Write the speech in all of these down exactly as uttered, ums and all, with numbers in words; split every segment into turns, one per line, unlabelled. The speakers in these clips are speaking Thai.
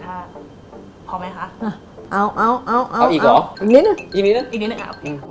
ท่าพอไหมคะ
เอาเอาเอาเอา
เอาอีกเหรอ
อีกนิดนึง
อีกนิดนึง
อีกนิดนึงอ่ะ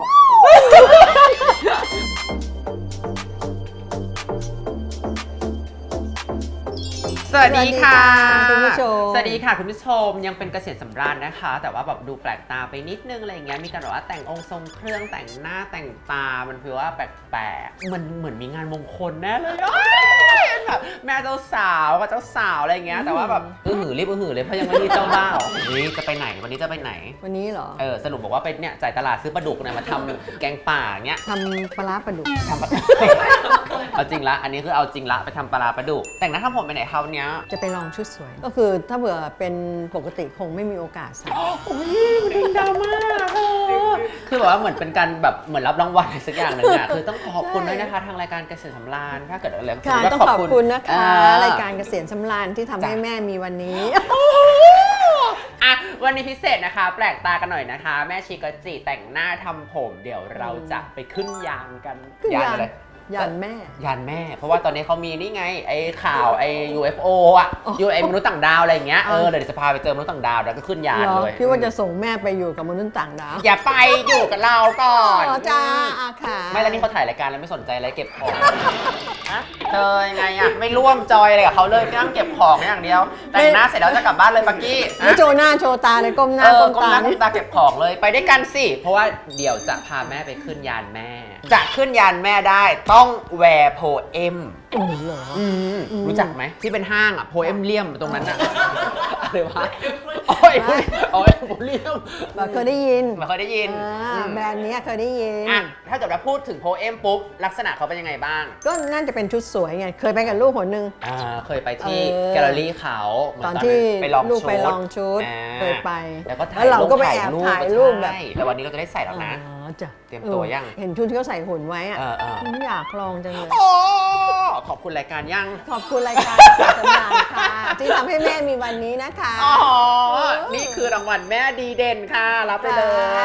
สวัสดีค่ะ
คุณผู้ชม
สวัสดีค่ะคุณผู้ชมยังเป็นเกษียณสำราญนะคะ แต่ว่าแบบดูแปลกตาไปนิดนึงอะไรอย่างเงี้ยมีการแบบว่าแต่งองค์ทรงเครื่องแต่งหน้าแต่งตามันคือว่าแปลกๆมันเหมือนมีงานมงคลแน่เลยแบบแม่เจ้าสาวกับเจ้าสาวอะไรอย่างเงี้ยแต่ว่าแบบอื้อหือรีบอื้อหือเลยเพราะยังไม่มีเจ้าบ่าวนี่จะไปไหนวันนี้จะไปไหน
วันนี้เหรอ
เออสรุปบอกว่าไปเนี่ยจ่ายตลาดซื้อปลาดุกเนี่ยมาทำแกงป่าเงี้ย
ทำปลาร้าปลาดุก
ทำปลา เอาจริงละอันนี้คือเอาจริงละไปทำปลาร้าปลาดุกแต่งหน้าทำผมไปไหนคราวเนี้ย
จะไปลองชุดสวย ก็คือถ้าเผื่อเป็นปกติคงไม่มีโอกาสใส่
โอ้ยคุณอิงดราม่าคือแบบว่าเหมือนเป็นการแบบเหมือนรับรางวัลอะไรสักอย่างหนึ่งอะคือต้องขอบคุณด้วยนะคะทางรายการเกษตรสำราญถ้าเกิดอะไร
ค่ะต้องขอบคุณนะคะ
เออ
รายการเกษียณสำราญที่ทำให้แม่มีวันนี้
อ่ะวันนี้พิเศษนะคะ แปลกตากันหน่อยนะคะ แม่ชิกจิแต่งหน้าทำผมเดี๋ยวเราจะไปขึ้นยานกัน
ขึ้นยาน
อะไร
ยันแม่
ยานแม่ เพราะว่าตอนนี้เขามีนี่ไงไอ้ข่าวไอ้ ยู เอฟ โอ อ่ะ ยู ไอ้มนุษย์ต่างดาวอะไรอย่างเงี้ย เออเดี๋ยวจะพาไปเจอมนุษย์ต่างดาวแล้วก็ขึ้นยาน
เหรอ
เลย
พี่ว่าจะส่งแม่ไปอยู่กับมนุษย์ต่างดาว
อย่าไปอยู่กับเราก่อน
อ๋อจ้าอาค่ะ
ไม่แล้วนี่เขาถ่ายรายการแล้วไม่สนใจอะไรเก็บของอะเธอยังไงอะไม่ร่วมจอยอะไรกับเขาเลยนั่งเก็บของอย่างเดียว แต่งหน้าเสร็จแล้วจะกลับบ้านเลยปักกี้
ไม่โชว์หน้าโชว์ตาเลยก้มหน้า
เออ
ก้ม
ก้ม
ตา
หน้าก้มตาเก็บของเลยไปด้วยกันสิ เพราะว่าเดี๋ยวจะพาแม่ไปขึ้นยานแม่ จะขึ้นยานแม่ได้ต้องแวร์โพเอม
โอ้โหเหรอ
อืม
อืม
รู้จักไหมที่เป็นห้างอะโพเอมเลียมตรงนั้นอะอะไรวะโอ้ยโอ้ยโพเลียม
แบบเคยได้ยิน
ไม่เคยได้ยิน
อ่า
อืม
แบรนด์เนี้ยเคยได้ยิน
อ่ะถ้าเกิดว่าพูดถึงโพเอมปุ๊บลักษณะเขาเป็นยังไงบ้าง
ก็น่าจะเป็นชุดสวยไง เคยไปกับลูกคนนึง
อ่าเคยไปที่
เออ
แกลเลอรี่เขาเหมื
ตอน
น
ที่
ไปลอง
ลูก
ชุด
ไปลองชุด
อ่า
เคยไป
แล้วก็ถ่าย
เราก็ไป
ถ่
แอบถ่ายรูปแบบ
ใช่แล้ววันนี้เราจะได้ใส่แล้วนะ
อ๋อจ้ะ
เตรียมตัวยัง
เออเห็นชุดที่เขาใส่หุ่นไว้อะ
เออเออ
อยากลองจังเลย
โอ้ขอบคุณรายการยัง
ขอบคุณรายการสำราญค่ะ ที่ทำให้แม่มีวันนี้นะคะ
อ๋อ นี่คือรางวัลแม่ดีเด่นค่ะ รับไปเลย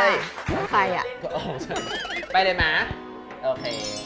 แล้วใครอ่ะ
ไปเลยมะโอเค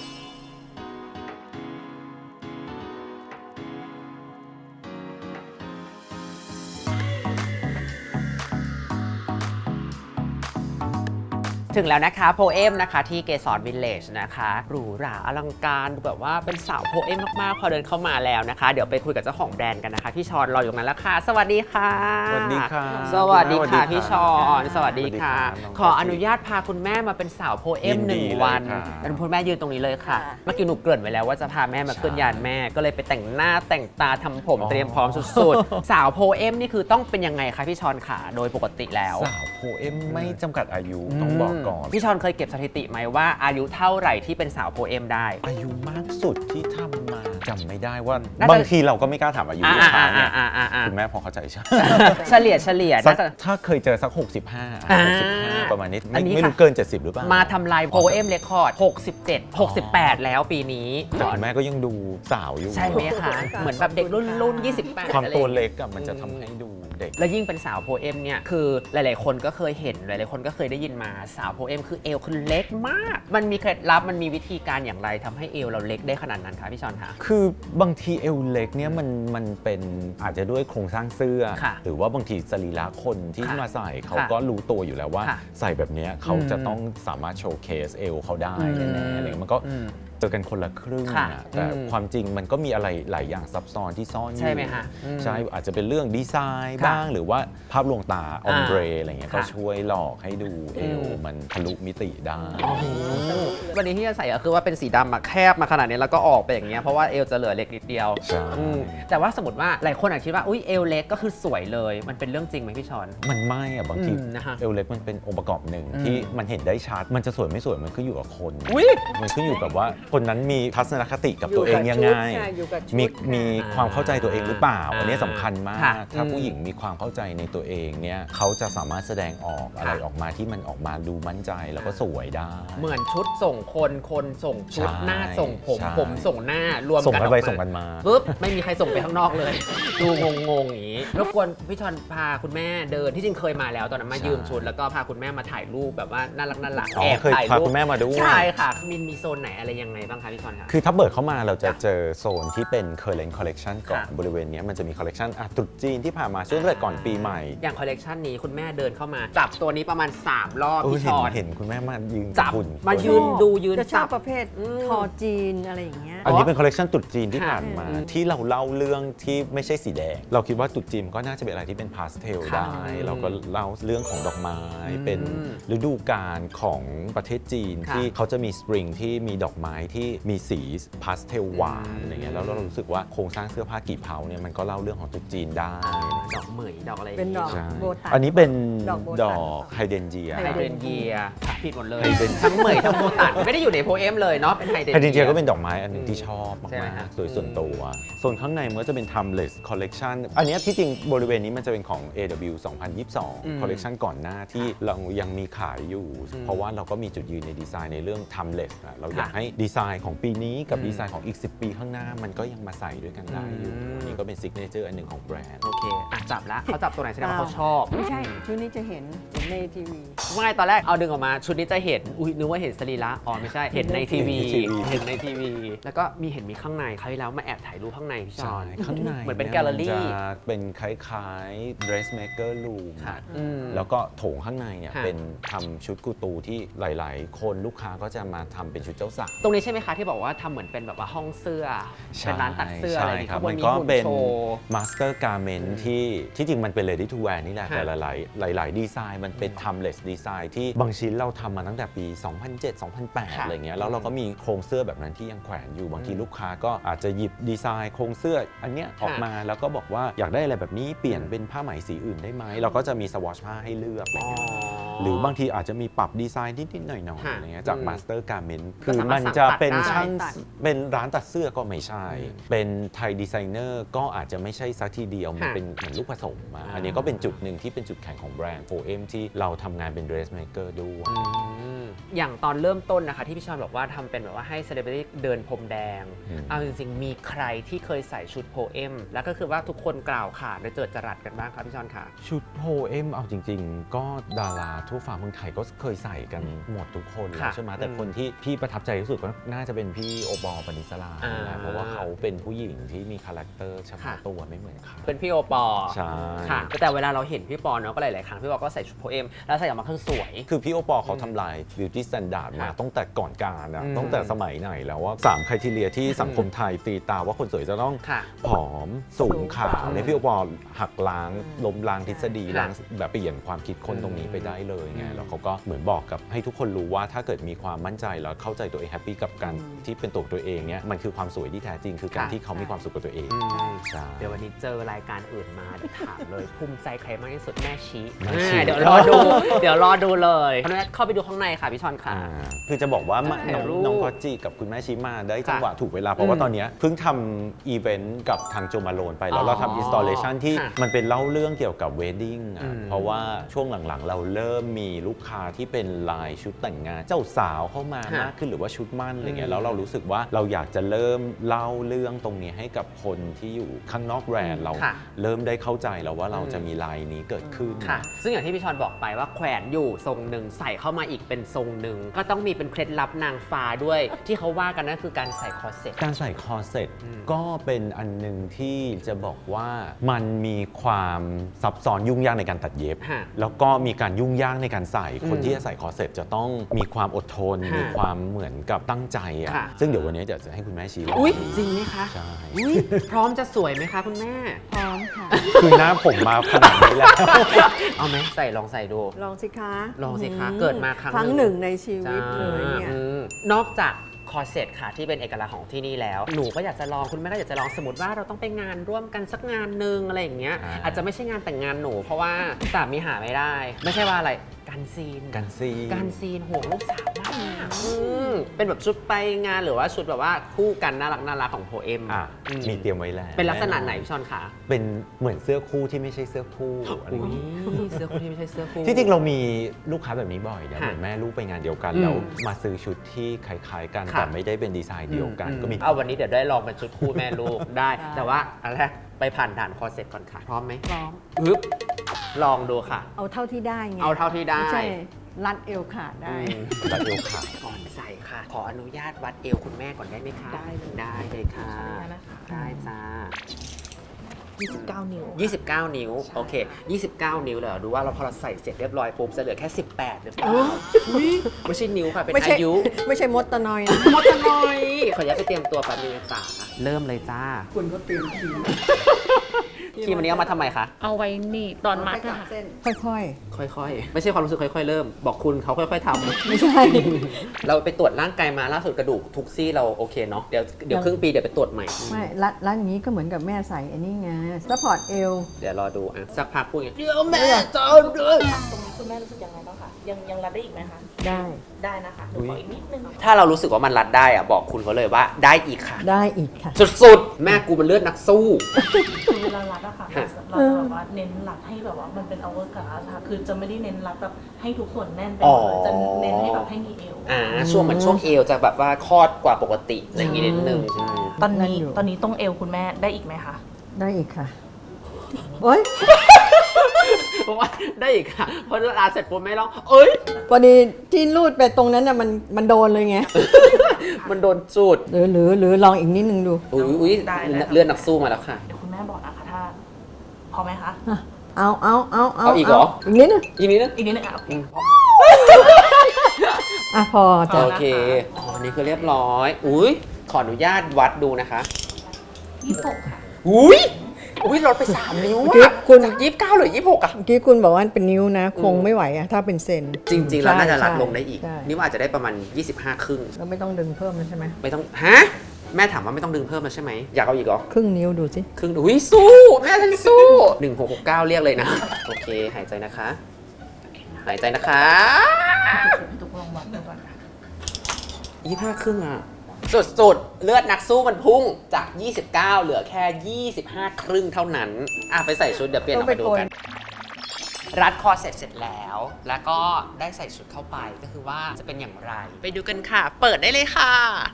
ถึงแล้วนะคะโพเอมนะคะที่เกสรวิลเลจนะคะหรูหราอลังการดูแบบว่าเป็นสาวโพเอมมากๆพอเดินเข้ามาแล้วนะคะเดี๋ยวไปคุยกับเจ้าของแบรนด์กันนะคะพี่ชอนรออยู่ตรงนั้นแล้วค่ะสวัสดีค่ะ
สวัสดีค่ะ
สวัสดีค่ะ
สวัสดีค่ะ
พี่ชอนสวัสดีค่ะ
สวัสดีครับ
ขออนุญาตพาคุณแม่มาเป็นสาวโพเอม
ยิน
ห
ดี
นึ่ง
เลย
วัน
ค่ะ
แล้วคุณแม่ยืนตรงนี้เลยค่ะ
ค่ะ
เมื่อกี้หนูเกริ่นไว้แล้วว่าจะพาแม่มาขึ้น
ใช่
ยานแม่ก็เลยไปแต่งหน้าแต่งตาทำผม
อ๋อ
เตรียมพร้อมสุดๆ สาวโพเอมนี่คือต้องเป็นยังไงคะพี่ชอนค่ะโดยปกติแล้ว
สาวโพเอมไม่จำกัดอายุต้องบอกก่อน
พี่ชอนเคยเก็บสถิติไหมว่าอายุเท่าไหร่ที่เป็นสาวโพเอมได้
อายุมากสุดที่ทำมาจำไม่ได้ว่า
น่าจะ
บางทีเราก็ไม่กล้าถามอายุ
อ่า
ลูกค้า
อ่า
เนี่ย
อ่าอ่าอ่า
คุณแม่พอเข้าใจใช่ไหม
เฉลี่ยเฉลี่ย
สัก
น่าจะ
ถ้าเคยเจอสัก หกสิบห้า
อ่า
หกสิบห้าประมาณนี้
อั
ไม่
นนี้
ไม่
ค่ะ
รู้เกิน เจ็ดสิบหรือเปล่า
มาทำลายโพเอมเรคคอร์ดหกสิบเจ็ด หกสิบแปดแล้วปีนี้
แต่คุณแม่ก็ยังดูสาวอยู่
ใช่ไหมคะ เหมือนแบบเด็กรุ่นรุ่นยี่สิบแปด
ความ
อะไร
ตัวเล็กอะมันจะทำให้ดูเด็ก
แล้วยิ่งเป็นสาวโพเอมเนี่ยคือหลาย ๆ คนก็เคยเห็นหลาย ๆ คนก็เคยได้ยินมาสาวโพเอมคือเอวคือเล็กมาก มันมีเคล็ดลับมันมีวิธีการอย่างไรทำให้เอวเราเล็กได้ขนาดนั้นคะพี่ชอนคะ
คือบางทีเอวเล็กเนี่ยมันมันเป็นอาจจะด้วยโครงสร้างเสื้อ
ค่ะ
หรือว่าบางทีสรีระคนที่
ค่ะ
มาใส่เขา
ค่ะ
ก็รู้ตัวอยู่แล้วว่า
ค่ะ
ใส่แบบเนี้ยเขา
อืม
จะต้องสามารถโชว์เคสเอวเขาได้
อืม
แน่ๆอะไรเงี้ยมันก็
อืม
เจอกันคนละครึ่ง
ค่ะ
อะแต่
อืม
ความจริงมันก็มีอะไรหลายอย่างซับซ้อนที่ซ่อนอยู่
ใช่ไหมคะอืม
ใช่อาจจะเป็นเรื่องดีไซน์
ค่ะ
บ้างหรือว่าภาพลวงตาออมเบรอะไรเงี้ย
ค่ะ
ก็ช่วยหลอกให้ดูเอว
อืม
มันทะลุมิติได้
วันนี้ที่จะใส่ก็คือว่าเป็นสีดำอะแคบมาขนาดนี้แล้วก็ออกไปอย่างเงี้ยเพราะว่าเอวจะเหลือเล็กนิดเดียว
ใช่
อืมแต่ว่าสมมติว่าหลายคนอาจคิดว่าอุ้ยเอวเล็กก็คือสวยเลยมันเป็นเรื่องจริงไหมพี่ชอน
มันไม่อะบางที
อืมนะคะ
เอวเล็กมันเป็นองค์ประกอบหนึ่ง
อืม
ที่มันเห็นได้ชัด มันจะสวยไม่สวยมันขึ้นอยู่กับคน
อุ้ย
มันขึ้นอยู่กับว่าคนนั้นมีทัศนคติกับตัวเองยังไง
อยู่กับชุด
มี
ค่ะ
มีความเข้าใจตัวเองหรือเปล่า
อ่า
อันนี้สำคัญมาก
ค่ะ
ถ้า
อืม
ผู้หญิงมีความเข้าใจในตัวเองเนี่ยเขาจะสามารถแสดงออกอะไร
ค่ะ
ออกมาที่มันออกมาดูมั่นใจแล้วก็สวยได้
เหมือนชุดส่งคนคนส่งชุด
ใช่
หน้าส่งผม
ใช่
ผมส่งหน้ารวม
ส่ง
กัน
กั
อน อก
ไป
มา
ส่งกันมา
ปุ๊บไม่มีใครส่งไปข้างนอกเลย ดูงงๆอย่างนี้รบกวนพี่ชอนพาคุณแม่เดินที่จริงเคยมาแล้วตอนนั้นมา
ใช่
ยืมชุดแล้วก็พาคุณแม่มาถ่ายรูปแบบว่าน่ารักน่ารัก
อ๋อ
แอบ
เคย
ถ่าย
พา
รูป
คุณแม่มาด้วย
ใช่ค่ะมินมีโซนไหนอะไรยังไงบ้างคะพี่ชอนคะ
คือถ้าเปิดเข้ามาเราจะเจอโซนที่เป็น current collection ก่อน
ค่ะ
บริเวณเนี้ยมันจะมี collection อ่ะตรุษจีนที่ผ่านมาช่วงงแต่ก่อนปีใหม่
อย่างคอลเลกชันนี้คุณแม่เดินเข้ามาจับตัวนี้ประมาณสามรอบ
เออ
พี่
เห็
ช
น
อน
เห็นคุณแม่มายืน
จับ
หุ่น
มายืนดูยืน
จะชอ
จั
บบ ประเภท
อืม
คอจีนอะไรอย่างเงี้ย
อันนี้เป็นคอลเลกชันตรุษจีนที่
ค่ะ
ผ่านมา
อืม
ที่เราเล่าเรื่องที่ไม่ใช่สีแดง เราคิดว่าตรุษจีนก็น่าจะเป็นอะไรที่เป็นพาสเทล
ค่ะ
ได้ เราก็เล่าเรื่องของดอกไม้
อืม
เป็นฤดูกาลของประเทศจีน
ค่ะ
ที่เขาจะมีสปริงที่มีดอกไม้ที่มีสีพาสเทลหวาน
อืม
อะไรเงี้ยแล้วเรารู้สึกว่าโครงสร้างเสื้อผ้ากี่เผาเนี่ยมันก็เล่าเรื่องของตรุษจีนได้
ดอกเหมยดอกอะไร
เป็นดอก
ใช่
โบตัน
อันนี้เป็น
ดอกโบตัน
ดอกไฮเดนเจีย
ไฮเดรนเยียค่ะผิดหมดเลย
ไฮเดรน
ทั้งเหมยทั้งโบตันไม่ได้อยู่ในโพเอมเลยเนาะเป็นไฮเดรน
ไฮเดนเจี
เยี
ย
ย
ก็เป็นดอกไม้อันหนึงที่ชอบ
ใช่ไหม
มาก
ฮะ
ๆโดยส่วนตัว ส่วนข้างในมันก็จะเป็น timeless collection อันเนี้ยที่จริงบริเวณนี้มันจะเป็นของ เอ ดับเบิลยู สองพันยี่สิบสอง
อืม
collection ก่อนหน้าที่เรายังมีขายอยู่
อืม
เพราะว่าเราก็มีจุดยืนในดีไซน์ในเรื่อง timeless อะเราอยาก
ค่ะ
ให้ดีไซน์ของปีนี้กับ
อืม
ดีไซน์ของอีก สิบ ปีข้างหน้ามันก็ยังมาใส่ด้วยกันได้อยู่
อืม
อันนี้ก็เป็น signature อันหนึ่งของแบรนด์
โอเคอ่ะจับละเขาจับตัวไหนแสดงว่าเขาชอบ
ไม่ใช่ชุดนี้จะเห็นเห็นในทีวี
ไม่ตอนแรกเอาดึงออกมาชุดนี้จะเห็นอุ้ยนึกว่าเห็นสรีระอ๋อไม่ใช่เห็นในทีวี
เห็นในทีวี
เห็นในทีวี แล้วก็มีเห็นมีข้างในเขาวที่แล้วมาแอบถ่ายรูปข้างในพี่ช
ใช่
อน
ข้างใน
เหมือนเป็น
ย
แกลเลอรี่
มันจะเป็นคล้ายๆ dressmaker room
ค่ะ
อะ
อืม
แล้วก็โถงข้างในเนี่ย
ค่ะ
เป็นทำชุดกูตูที่หลายๆ คนลูกค้าก็จะมาทำเป็นชุดเจ้าสาว
ตรงนี้ใช่ไหมคะที่บอกว่าทำเหมือนเป็นแบบว่าห้องเสื้อเป็นร้านตัดเสื้ออะไรอย่างงี้
ใช่ครับ
ข้างบ
มัน น
มี
ก็
หุ่น
เป็น
โชว์
master garment ที่ที่จริงมันเป็น ready to wear นี่แหละ
ค่ะ
แต่หลายๆหลาย ๆ ดีไซน์มันเป็น timeless ดีไซน์ที่บางชิ้นเราทำมาตั้งแต่ปี สองพันเจ็ด สองพันแปด
ค่ะ
อะไรเงี้ยแล้วเราก็มีโครงเสื้อแบบนั้นที่ยังแขวนอยู่บางที
อืม
ลูกค้าก็อาจจะหยิบดีไซน์โครงเสื้ออันเนี้ยออกมาแล้วก็บอกว่าอยากได้อะไรแบบนี้เปลี่ยนเป็นผ้าไหมสีอื่นได้ไหมเราก็จะมีสวอชผ้าให้เลือกอะไร
อ๋อ
เงี้ย หรือบางทีอาจจะมีปรับดีไซน์นิด ๆ หน่อย ๆ
ค่ะ
อะไรเงี้ยจาก
อืม
Master Garment
ก็
คือ
สามารถ
มันจะเป็น
สั่งตัดได้
ช่าง
ตัด
เป็นร้านตัดเสื้อก็ไม่ใช่
อืม
เป็นไทยดีไซเนอร์ก็อาจจะไม่ใช่สักทีเดียว มัน
ค่ะ
เป็นเหมือนลูกผสมมา
อ่า
อันนี้ก็เป็นจุดหนึ่งที่เป็นจุดแข็งของแบรนด์โ o เอมที่เราทำงานเป็น dressmaker ด้วย
อืมอย่างตอนเริ่มต้นนะคะที่พี่ชอนบอกว่าทำเป็นแบบว่าให้เซเลบริตี้เดินพรมแดง
อืม
เอาจริง ๆ มีใครที่เคยใส่ชุดโพเอมแล้วก็คือว่าทุกคนกล่าวขานและเจิดจรัสกันบ้างครับพี่ชอนค่ะ
ชุดโ o เอมเอาจริง ๆ ก็ดาราทั่วฟ้าเมืองไทยก็เคยใส่กันหมดทุกคนแล้
ค่ะ
วใช่ไหมแต่
อืม
คนที่พี่ประทับใจที่สุดก็น่าจะเป็นพี่โอปอล์ปณิสลา
อ่า
แหละเพราะว่าเขาเป็นผู้หญิงที่มีคาแรคเตอร์เฉพาะ
ค่ะ
ตัวไม่เหมือนใคร
เป็นพี่โอปอ
ใช่
ค่ะแต่เวลาเราเห็นพี่ปอเนาะก็หลาย ๆ ครั้งพี่ปอก็ใส่ชุดโพเอมแล้วใส่ออกมาคือสวย
คือพี่โอปอล์เขาทำลาย beauty standard มา
ค่ะ
ตั้งแต่ก่อนการอะ
อืม
ตั้งแต่สมัยไหนแล้วว่าสามไครทีเรียที่สังคมไทยตีตาว่าคนสวยจะต้อง
ค่ะ
ผอมสูงขาว
อืม
ในยพี่โอปอล์หักล้างล้มล้างทฤษฎี
ค่ะ
ล้างแบบเปลี่ยนความคิดคนตรงนี้ไปได้เลยไง
อืม
แล้วเขาก็เหมือนบอกกับให้ทุกคนรู้ว่าถ้าเกิดมีความมั่นใจแล้วเข้าใจตัวเองแฮปปี้กับการที่เป็นตัวตัวเองเนี่ยมันคือความสวยที่แท้จริง คือการที่เขามีความสุขกับตัวเอง
อืม
ใช่
เดี๋ยววันนี้เจอรายการอื่นมาเดี๋ยวถามเลย ภูมิใจใครมากที่สุดแม่ชี้
แม่ชี้
อ่าเดี๋ยวรอดู เดี๋ยวรอดูเลยเพราะฉะนั้นเข้าไปดูข้างในค่ะพี่ชอนค่ะ
อ่าคือจะบอกว่ามา
ถ่าย
น้อง
รูป
น้องก็จีกับคุณแม่ชิมาได้จังหวะ
ค่ะ
ถูกเวลา เพราะว่า
อืม
ตอนเนี้ยเพิ่งทำอีเวนต์กับทางโจมาโลนไป แล้
อ๋
ว
อ
เราทำอินสต l เลชันที่
ค่ะ
มันเป็นเล่าเรื่องเกี่ยวกับเวดดิ้ง
อื
อ่ะ
ม
เพราะว่าช่วงหลังๆ เราเริ่มมีลูกค้าที่เป็นลายชุดแต่งงาน เจ้าสาวเข้ามา
ค่ะ
มากขึ้นหรือว่าชุดมั่นอะไรเงี้
อื
ย
ม
แล้วเรารู้สึกว่าเราอยากจะเริ่มเล่าเรื่องตรงนี้ให้กับคนที่อยู่ข้างนอกแบรนด์เรา
ค่ะ
เริ่มได้เข้าใจแล้วว่าเรา
อืม
จะมีลายนี้เกิดขึ้น
ค่ะ ซึ่งอย่างที่พี่ชอนบอกไปว่าแขวนอยู่ทรงหนึ่งใส่เข้ามาอีกเป็นทรงหนึ่งก็ต้องมีเป็นเคล็ดลับนางฟ้าด้วย ที่เขาว่ากันนั่นคือการใส่คอร์เซ็ต
การใส่คอร์เซ็ต
อืม
ก็เป็นอันหนึ่งที่จะบอกว่ามันมีความซับซ้อนยุ่งยากในการตัดเย็บ
ค่ะ
แล้วก็มีการยุ่งยากในการใส่
อืม
คนที่จะใส่คอร์เซ็ตจะต้องมีความอดทน
ค่ะ
มีความเหมือนกับตั้งใจอ่ะ
ค่ะ
ซึ่งเดี๋ยววันนี้จะให้คุณแม่ชี้
อุ๊ยจริงไหมคะ
ใช่
อุ๊ยพร้อมจะสวยไหมคะคุณแม่
พร้อมค่ะ
คือหน้าผมมาขนาดนี้แล้ว
เอาไหมใส่ลองใส่ดู
ลองสิคะ
ลองสิคะ
อื
เกิดมาครั้ง
ครั้ง
ห
ห
นึ่
นึ่
ง
งในชีวิตเลยเนี่ย
อืมนอกจากคอร์เซ็ตค่ะที่เป็นเอกลักษณ์ของที่นี่แล้ว หนูก็อยากจะลองคุณแม่ก็อยากจะลองสมมติว่าเราต้องไปงานร่วมกันสักงานหนึ่งอะไรอย่างเงี้ย
อ่า
อาจจะไม่ใช่งานแต่งงานหนู เพราะว่าสามีหาไม่ได้ ไม่ใช่ว่าอะไรการซีน
กันซี
การซีนโหลูกสาวมากอืมเป็นแบบชุดไปงานหรือว่าชุดแบบว่าคู่กันน่ารักน่ารักของโพเอม
อ่ะ
อื
มีเตรียมไว้แล้ว
เป็นลักษณะไหนพี่ชอนคะ
เป็นเหมือนเสื้อคู่ที่ไม่ใช่เสื้อคู่อะไรอ
อุ้
ย่าง
ย
เงี้ย
เสื้อคู่ที่ไม่ใช่เสื้อคู่
ที่จริงเรามีลูกค้าแบบนี้บ่อยนะ
ค่ะ
เหมือนแม่ลูกไปงานเดียวกัน
อืม
แล้วมาซื้อชุดที่คล้ายๆกัน
ค่ะ
แต่ไม่ได้เป็นดีไซน์เดียวกันก็มี
เอาวันนี้เดี๋ยวได้ลองเป็นชุดคู่แม่ลูก ได้
ได้
แต่ว่าอันแรกไปผ่านด่านคอร์เซ็ตก่อนค่ะ พร้อมไหม
พร้อม
อึ๊บลองดูค่ะ
เอาเท่าที่ได้ไง
เอาเท่าที่ได้
ไม่ใช่รัดเอวขาดได้
อืม
ตัดเอวขาด
ก่อนใส่ค่ะ ขออนุญาตวัดเอวคุณแม่ก่อนได้ไหมคะ
ได้เลย
ได้เลยค่ะ
ขออนุญาตนะคะ
ได้จ้า
ยี่สิบเก้า นิ้ว
ยี่สิบเก้า นิ้ว โอเค ยี่สิบเก้า นิ้วเลยเหรอดูว่าเราพอเราใส่เสร็จเรียบร้อยปุ๊บจะเหลือแค่ สิบแปดหรือเปล่าไม่ใช่นิ้วค่ะ เป็น
ไม่ใช่
อายุ
ไม่ใช่มดตะนอยนะ
มดตะนอยขออนุญาตไปเตรียมตัวแป๊บนึงนะจ๊ะเริ่มเลยจ้า
คุณก็เตรียมคีม
ครีมอันนี้เอามาทำไมคะ
เอาไว้หนี่ตอนมัดอะค่ะ
เส้นค่อย
ค่อยๆ ไม่ใช่ความรู้สึกค่อยๆ เริ่ม บอกคุณเขาค่อยๆทำ
ๆ ไม่ใช่
เราไปตรวจร่างกายมาล่าสุดกระดูกทุกซี่เราโอเคเนาะเดี๋ยวเดี๋ยวครึ่งปีเดี๋ยวไปตรวจใหม่
ไม่รัดรัดอย่างนี้ก็เหมือนกับแม่ใส่อันนี้ไงซัพพอร์ตเอว
เดี๋ยวรอดูอ่ะสักพักพูดอย่างเงี้ยเดี๋ยวแม่จอมเลย
ตรงนี้คุณแม่รู้สึกยังไงบ้างคะยังยังรัดได้อีกไหมคะ
ได้
ได้นะคะหนูขออีกนิดนึง
ถ้าเรารู้สึกว่ามันรัดได้อ่ะบอกคุณเขาเลยว่าได้อีกค่ะ
ได้อีกค่ะ
สุดๆ แม่กูมันเลือดนักสู้
คือเวลารัดอะค่ะ
ฮะ
เราจะแบบว่าเน้นรัดให้แบบว่ามันเป็นเอาเวอร์การ์ดค่ะคือจะไม่ได้เน้นรัดแบบให้ทุกส่วนแน่นไปหมดเลยจะเน้นให้แบบให้มีเอว
อ่าช่วงเหมือนช่วงเอวจะแบบว่าคลอดกว่าปกติอะไรอย่างงี้นิดนึงใช่
ตอนนี้
นั่นอยู่
ตอนนี้ตรงเอวคุณแม่ได้อีกไหมคะ
ได้อีกค่ะโอ๊ย
เพราะว่าได้อีกค่ะเพราะลาเสร็จปุ๊บไม่ร้องเอ้ย
พอดีที่รูดไปตรงนั้นน่ะมันมันโดนเลยไง
มันโดนจูด
หรือหรือหรือลองอีกนิดนึงดู
อุ้ยอุ้ยเลือดนักสู้มาแล้วค่ะ
เดี๋ยวคุณแม่บอกนะคะถ้าพอไหมคะ
เอาเอาเอาเอา
เอาอีกเหรอ
อีกนิดนึง
อีกนิดนึง
อีกนิดนึงอ่ะโอเค
อ่ะพอจะ
โอเคอ๋อนี่คือเรียบร้อย อุ้ยขออนุญาตวัดดูนะคะ
ยี่สิบหกค่ะ
อุ้ยอุ้ยลดไปสามนิ้ว
เมื่อกี้
อะ
คุณ
จากยี่สิบเก้าเหลือยี่สิบหกอะ
เมื่อกี้คุณบอกว่าเป็นนิ้วนะ คงไม่ไหวอะถ้าเป็นเซน
จริง ๆ แล้วน่าจะรัด
ใช่
ลงได้อีก
ใช่
นี่ว่าอาจจะได้ประมาณยี่สิบห้าครึ่ง
แล้วไม่ต้องดึงเพิ่มแล้วใช่ไหม
ไม่ต้อง ฮะ แม่ถามว่าไม่ต้องดึงเพิ่มแล้วใช่ไหม อยากเอาอีกเหรอ
ครึ่งนิ้วดูสิ
ครึ่งอุ้ยสู้ แม่ฉันสู้หนึ่งหกหกเก้าเรียกเลยนะ โอเค หายใจนะคะ หายใจนะคะ
ทุกลองวัดดูก่อนค่ะ
ยี่สิบห้าครึ่งอะสุดๆ เลือดนักสู้มันพุ่งจาก ยี่สิบเก้า เหลือแค่ ยี่สิบห้า ครึ่งเท่านั้น อ่ะ ไปใส่ชุดเดี๋ยวเปลี่ยนออกมาดูกัน รัดคอเสร็จเสร็จแล้ว แล้วก็ได้ใส่ชุดเข้าไปก็คือว่าจะเป็นอย่างไร ไปดูกันค่ะ เปิดได้เลยค่ะ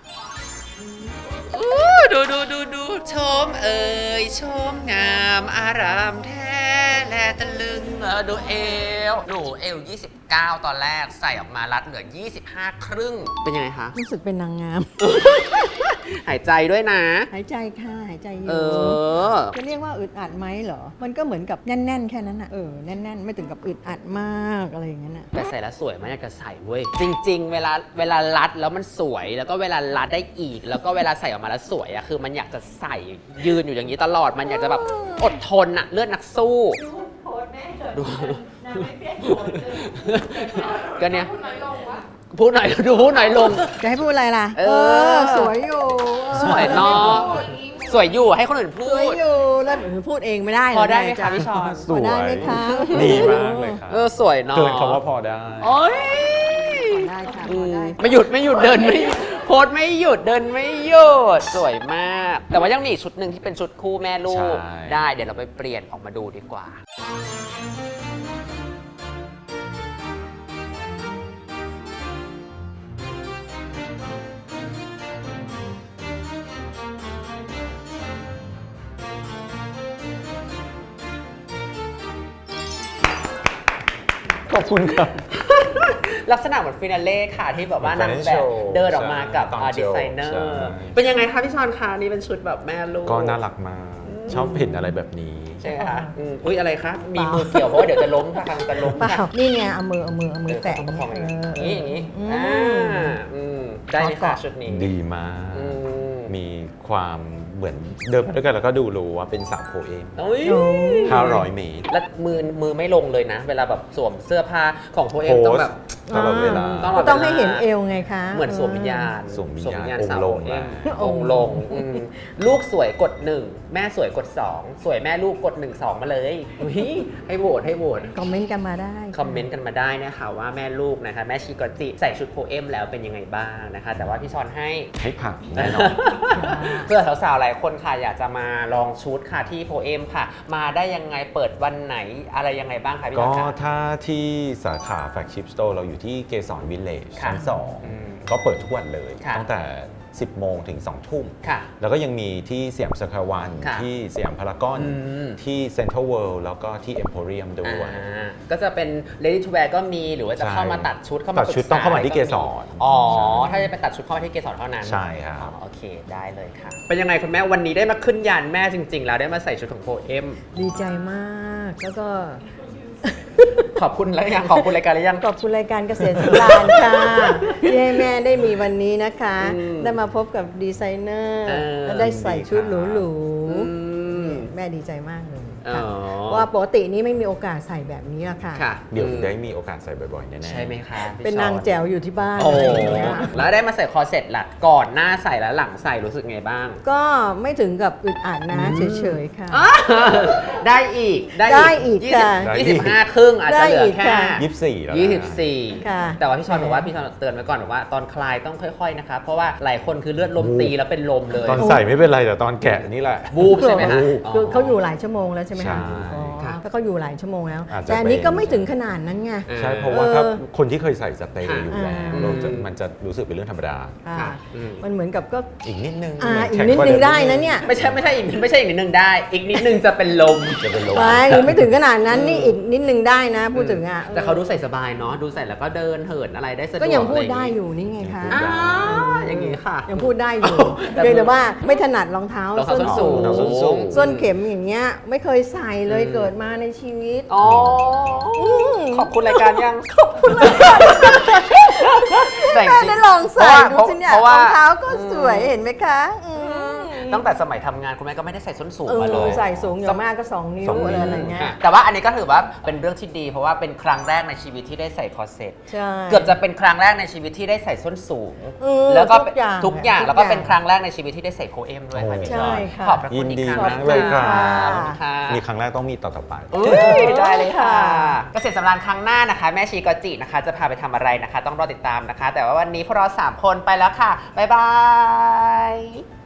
อู้ดูดูดูดูชมเอ่ยชมงามอารามแท้แลตะลึงเออดูเอวหนูเอว ยี่สิบเก้า ตอนแรกใส่ออกมารัดเหลือ ยี่สิบห้า ครึ่ง เป็นยังไงคะ
รู้สึกเป็นนางงาม
หายใจด้วยนะ
หายใจค่ะหายใจอยู่
เออ
จะเรียกว่าอึดอัดไหมเหรอ มันก็เหมือนกับแน่น ๆ แค่นั้นน่ะ เออ แน่น ๆ ไม่ถึงกับอึดอัดมากอะไรอย่างนั้นน่ะ
แต่ใส่แล้วสวยมากอยากจะใส่เว้ย จริง ๆ เวลาเวลารัดแล้วมันสวย แล้วก็เวลารัดได้อีก แล้วก็เวลาใส่ออกมาแล้วสวยอะคือมันอยากจะใส่ยืนอยู่อย่างนี้ตลอด มันอยากจะแบบอดทนอะเลือดนักสู้ดูก็เนี้ยพูดหน่อยดูพูดหน่อยลง
จะให้พูดอะไรล่ะ
เออ
สวยอยู่เออ
สวยเนาะสวยอยู่ให้คนอื่นพู
สวย
ด
อยู่แล้วหนูพูดเองไม่ได้
พอได้ไหม
เร
คะพี่ชอน
ส
พอ
วย
ได้ไหมคะ
ดีมากเลยครับ
เออสวยเนาะ
เกินคำว่าพอได้
โอ๊ย
พอได้ค่ะพอได้
ไม่หยุดไม่หยุดเดินไม่โพสไม่หยุดเดินไม่หยุดสวยมาก แต่ว่ายังมีอีกชุดหนึ่งที่เป็นชุดคู่แม่ลูก
ใช่
ได้เดี๋ยวเราไปเปลี่ยนออกมาดูดีกว่า
ขอบคุณครับ
ลักษณะเหมือนฟินาเล่ค่ะที่แบบว่านางแบบ
Fashion show
เดินออกมากับ
ใช่ตอน
ดีไซเนอ
ใช่
ร์เป็นยังไงคะพี่ชอนคะนี่เป็นชุดแบบแม่ลูก
ก็น่ารักมาก ชอบเห็นอะไรแบบนี้
ใช่ไหมคะอืมอุ้ยอะไรคะมีมือเกี่ยวเพราะว่าเดี๋ยวจะล้มค่ะกำลังจะล้ม
เปล่า
ค่ะ
นี่ไงเอามือเอามือเอามือแตะ
ประคองอย่างนี้
เอ
อย่างนี้
อื
อ่าม อืมได้ไหมคะชุดนี้
ดีมาก
อืม
มีความเหมือนเดินมาด้วยกันแล้วก็ดูรู้ว่าเป็นสาวโพเอม
โอ้ย
โอ้
ห้าร้อยเมตร
แล้วมือมือไม่ลงเลยนะ เวลาแบบสวมเสื้อผ้าของโพเอม
โพ
ต้อง
ส
แบบ
ตลอดเวลา
ต้อง
ก็ต้องให้เห็นเอวไงคะ
เหมือนสวมวิญญาณ
สวมวิญญาณ
สวม
องค์ลง
สาว
แล้ว
องค์ลงอืมลูกสวยกดหนึ่งแม่สวยกดสองสวยแม่ลูกกดหนึ่งสองมาเลยอุ๊ยให้โหวตให้โหวต
คอมเมนต์กันมาได้
คอมเมนต์กันมาได้นะคะว่าแม่ลูกนะคะแม่ชิโกจิใส่ชุดโพเอมแล้วเป็นยังไงบ้างนะคะ แต่ว่าพี่ชอนให้
ให้ผ่านแน่นอน
เพื่อสาวๆหลายคนค่ะอยากจะมาลองชุดค่ะที่โพเอมค่ะ มาได้ยังไงเปิดวันไหนอะไรยังไงบ้างคะพี่ช
ก็
อนคะ
ถ้าที่สาขาแฟลกชิพสโตร์เราอยู่ที่เกสรวิลเลจ
ค่ะ
ชั้นสอง
อืม
ก็เปิดทุกวันเลย
ค่ะ
ตั้งแต่สิบโมงถึงสองทุ่ม
ค่ะ
แล้วก็ยังมีที่สยามสแควร์วัน
ค่ะ
ที่สยามพารากอน
อืม
ที่เซ็นทรัลเวิลด์แล้วก็ที่เอ็มโพเรียมด้วย
อ่าก็จะเป็น ready to wear ก็มีหรือว่าจะ
ใช่
เข้ามาตัดชุดเข้ามา
ตัดชุด
ปรึกษ
ต้องเข้ามาที่เกสร
อ๋อ
ใช่
ถ้าจะไปตัดชุดเข้ามาที่เกสรเท่านั้น
ใช่ครับ
อ๋อโอเคได้เลยค่ะ เป็นยังไงคุณแม่วันนี้ได้มาขึ้นยานแม่จริง ๆ แล้วได้มาใส่ชุดของโพเอม
ดีใจมาก แล้วก็
ขอบคุณแล้วยังขอบคุณรายการแล้วยัง
ขอบคุณรายการเกษตรสำราญค่ะ ที่ให้แม่ได้มีวันนี้นะคะ
อืม
ได้มาพบกับดีไซเนอร์
เออ
และได้ใส่ชุดหรู
อืม
ๆแม่ดีใจมากเลย
อ๋อ
ค่ะเพราะว่าปกตินี้ไม่มีโอกาสใส่แบบนี้ละค่ะ
ค่ะ
เดี๋ยว
อืม
ได้มีโอกาสใส่บ่อยๆแน่ๆ
ใช่ไหมคะพี่
เป็น
ชอ
นางแจ๋วอยู่ที่บ้าน
โอ้
อะไรอย่างเงี้ย
แล้วได้มาใส่คอร์เซ็ตล่ะก่อนหน้าใส่และหลังใส่รู้สึกไงบ้าง
ก็ไม่ถึงกับอึดอัดนะเฉยๆค่ะ
ได้อีก
ได้อีก
ยี่สิบ
ค่ะ
ยี่สิบห้าครึ่งอาจจะเหลื
ได้อี
อก แค่
ค่ะ
ยี่สิบสี่แล้วนะ
ยี่สิบสี่
ค่ะ
แต่ว่าพี่ชอนบอกว่าพี่ชอนเตือนไว้ก่อนบอกว่าตอนคลายต้องค่อยๆนะคะเพราะว่าหลายคนคือเลือดลมตีแล้วเป็นลมเลย
ตอนใส่ไม่เป็นไรแต่ตอนแกะนี่แหละ
บูบใช่ไหมคะ
บูบ
คือเขาอยู่หลายชั่วโมงแล้วใช่ไหม
ใช่
คะอ๋อ
ค่ะ
ถ้าเขาอยู่หลายชั่วโมงแล้ว
อาจจะ
แต่อันนี้
เป็น
ก็ไม่ถึงขนาดนั้นไง
ใช่เพราะว่าถ้า
เออ
คนที่เคยใส่สเตย์อยู่แล้ว
อ่า
เราจะมันจะรู้สึกเป็นเรื่องธรรมดา
ค่ะ
ค่ะอืม
มันเหมือนกับก็
อีกนิดนึง
อ่าอีก
แข็
นิด
ว่า
นึง
เม
ได้นะเนี่ย
ไม่ใช่ไม่ใช่อีกไม่ใช่อีกนิดนึงได้ อีกนิดนึงจะเป็นลม
จะเป็นลม
ไม่ไม่ถึงขนาดนั้นนี่อีกนิดนึงได้นะ พูดถึงอ่ะ
แต่เขาดูใส่สบายเนาะดูใส่แล้วก็เดินเหินอะไรได้สะดวก
ก็ยังพูด
ะร
ได้
อ
อยู่นี่ไงคะ
อ่าอย่างงี้ค่ะ
ยังพูดได้อยู่
แต่
เพียงแต่ว่าไม่ถนัดรองเท้าร
องเท้าส้นสูง
รองเท้าส้นสูง
ส้นเข็มอย่างเงี้ยไม่เคยใส่เลยเกิดมาในชีวิต
อ๋ออ
ม
ขอบคุณรายการยัง
ขอบคุณเลยค่ะ
แต่จ
แม่
ริง
ได้ลองใส่
เพ
ดู
ราะ
สิเนี่ย
เพราะ
ร
ว่า
องเท้าก็สวยเห็นไหมคะอืม
ตั้งแต่สมัยทำงานคุณแม่ก็ไม่ได้ใส่ส้นสูง
เอ
มาเล
อย ใส่สูงอย่างมากก็สองนิ้ว
สองนิ้ว
อะไรอะไรเงี้ย
แต่ว่าอันนี้ก็ถือว่าเป็นเรื่องที่ดี เพราะว่าเป็นครั้งแรกในชีวิตที่ได้ใส่คอร์เซ็ต
ใช่
เกือบจะเป็นครั้งแรกในชีวิตที่ได้ใส่ส้นสูง
เออ
แล้วก็
ทุกอย่าง
ทุกอย่าง
ทุก
แล้วก็
อย่าง
เป็นครั้งแรกในชีวิตที่ได้ใส่โพเอมด้วยค่ะ
โอ้
พี่ช
ใช่
อน
ค่ะ
ขอบพระคุ
ยิ
ณ
น
อีก
ดี
ครั้ง
มากเลยค่ะ
ขอบคุณค่ะ
มีครั้งแรกต้องมีต่อต่อไป
เอ้ยได้เลยค่ะ เกษตรสำราญครั้งหน้านะคะ แม่ชีกอจินะคะ จะพาไปทำอะไรนะคะ ต้องรอติดตามนะคะ แต่ว่าวันนี้พวกเราสามคนไปแล้วค่ะ บ๊ายบาย